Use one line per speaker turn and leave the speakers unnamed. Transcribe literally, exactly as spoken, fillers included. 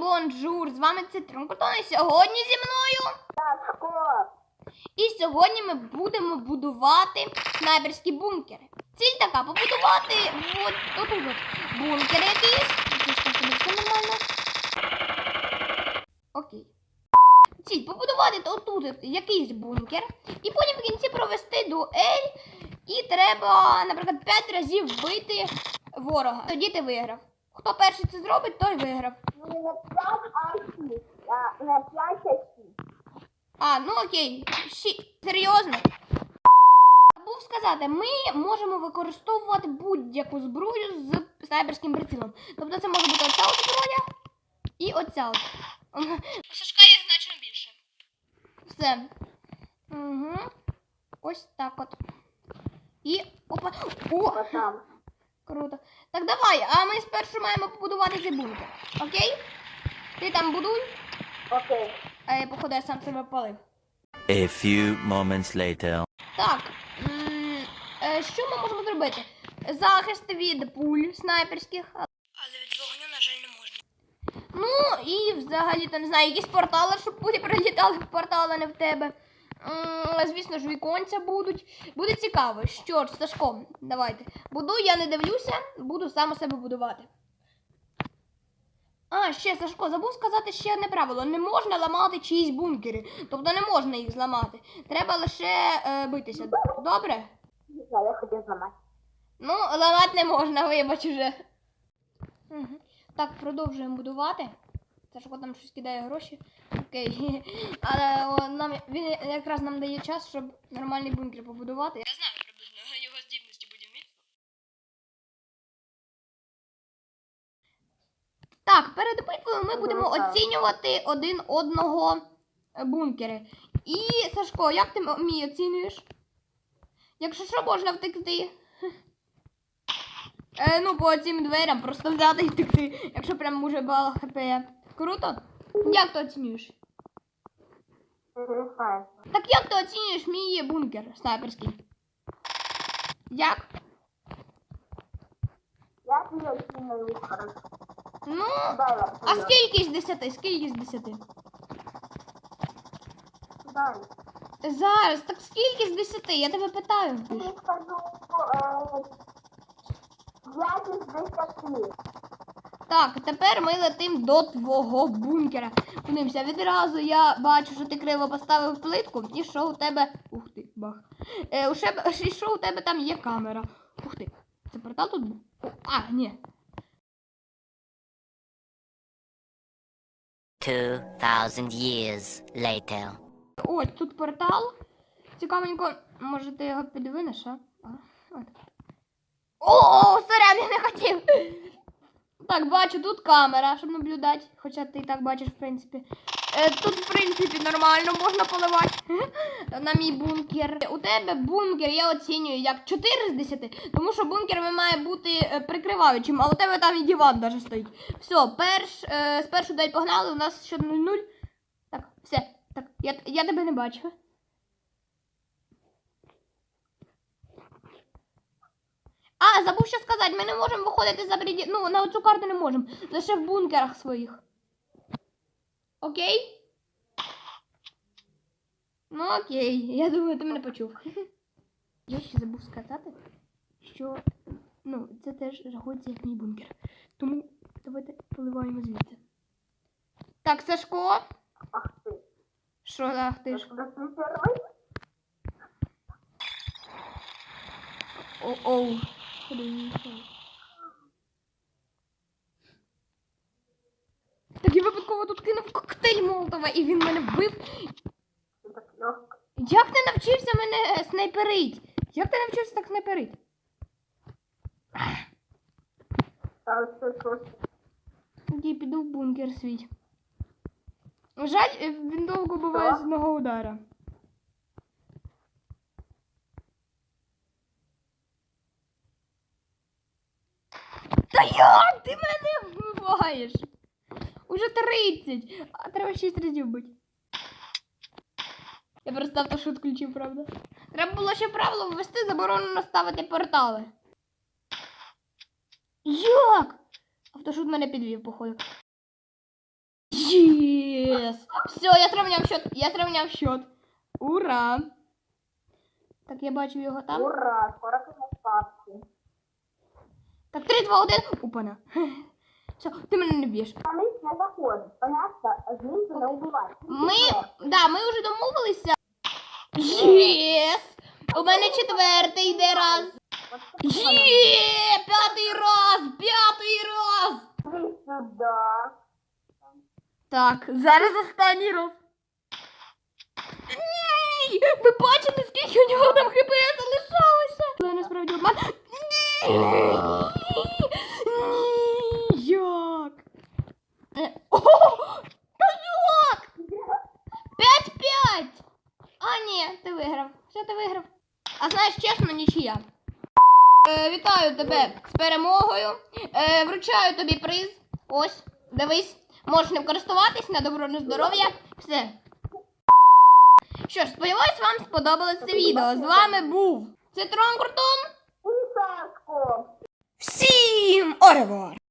бонжур! З вами Цитрон Картон, і сьогодні зі мною
Сашко.
І сьогодні ми будемо будувати снайперські бункери. Ціль така, побудувати от тут от бункер якийсь. Все нормально. Окей. Ціль побудувати отут якийсь бункер. І потім в кінці провести дуель. І треба, наприклад, п'ять разів вбити ворога. Тоді ти виграв. Хто перший це зробить, той виграв.
Ну, не п'ять, а шість. А, не п'ять, а шість.
А, ну окей. Ші... Серйозно? Забув сказати, ми можемо використовувати будь-яку зброю з снайперським прицілом. Тобто це може бути оця от зброя і оця от. У Сашка їх значно більше. Все. Угу. Ось так от. І опа. О!
Потом.
Круто. Так давай, а ми спершу маємо побудувати цей бункер. Окей? Ти там будуй.
Окей.
А я, походу, я сам себе палив.
A few moments later.
Так. М е, що ми можемо зробити? Захист від пуль снайперських. Але від вогню, на жаль, не можна. Ну, і взагалі-то, не знаю, якісь портали, щоб пулі прилітали в портал, а не в тебе. М звісно ж, віконця будуть. Буде цікаво. Що ж, Сашко, давайте. Будуй, я не дивлюся, буду сам у себе будувати. А, ще, Сашко, забув сказати ще одне правило. Не можна ламати чиїсь бункери. Тобто не можна їх зламати. Треба лише е, битися. Добре?
Я, я хотів зламати.
Ну, ламати не можна, вибач уже. Угу. Так, продовжуємо будувати. Сашко там щось кидає гроші. Окей. Але о, нам, він якраз нам дає час, щоб нормальний бункер побудувати. Я знаю приблизно його здібності будівництва. Так, перед битвою ми будемо оцінювати один одного бункери. І, Сашко, як ти мій оцінюєш? Якщо що, можна втекти. Е, ну, по цим дверям просто взяти і втекти, якщо прям уже бала хп. Круто? Як ти оцінюєш?
Інтересує.
Так як ти оцінюєш мій бункер снайперський? Як?
Я тобі оцінюю хорошо.
Ну,
Дай я
а
тобі.
скільки з десяти? Скільки з десяти?
Дай.
Зараз, так скільки з десяти? Я тебе питаю.
Тобі скажу е, п'ять із десяти.
Так, тепер ми летим до твого бункера. Подивимося, відразу я бачу, що ти криво поставив плитку, і що у тебе... Ух ти, бах. Е, у шеб... І що у тебе там є камера. Ух ти. Це портал тут був? О, а, ні.
Two thousand years later.
Ось, тут портал. Цікавенько, може ти його підвинеш, а? А, от. О, сорян, я не хотів. Так, бачу, тут камера, щоб наблюдати. Хоча ти і так бачиш, в принципі. Е, тут, в принципі, нормально можна поливати на мій бункер. У тебе бункер я оцінюю як чотири з десяти, тому що бункер має бути прикриваючим, а у тебе там і диван навіть стоїть. Все, перш, е, спершу дай погнали, у нас ще нуль нуль. Так, все. Так, я, я тебе не бачу. А, забув що сказати, ми не можемо виходити за пределы, ну, на цю карту не можемо, лише в бункерах своїх. Окей? Ну, окей, я думаю, ти мене почув. Я ще забув сказати, що, ну, це теж рахується як мій бункер. Тому давайте поливаємо звідси. Так, Сашко.
Ах ти.
Що, ах ти ж? О-оу. Так я випадково тут кинув коктейль Молотова, і він мене вбив. Як ти навчився мене снайперить? Як ти навчився так снайперить? Тоді піду в бункер свій. Жаль, він довго буває з одного удара. Та як ти мене вбиваєш? Уже тридцять, а треба шість разів бити. Я просто автошут включив, правда? Треба було ще правило ввести, заборонено ставити портали. Як? Автошут мене підвів, походу. Єс! Все, я сравняв счет. Я сравняв счет. Ура! Так, я бачу його там.
Ура, скоро конец папки.
Так, три, два, один. Опана. Все, ти мене не б'єш.
А мы не заходим. Понятно? Знизу не убивать.
Ми, да, ми вже домовилися. Єс! У мене четвертий йде раз. Є! П'ятий раз! П'ятий раз!
Иди сюда.
Так, зараз останній раз. Ні! Ви бачите, скільки у нього там хп залишалося? Це насправді обман. Ні! Ні! Як? Е, О! Та як? П'ять-п'ять! А, ні, ти виграв. Все, ти виграв. А знаєш, чесно, нічия. Е, вітаю тебе з перемогою. Е, вручаю тобі приз. Ось, дивись. Можеш ним користуватись на добро, на здоров'я. Все. Що ж, сподіваюсь, вам сподобалось це відео. З вами був Цитрон Куртон.
И Сашко.
Всім оревор!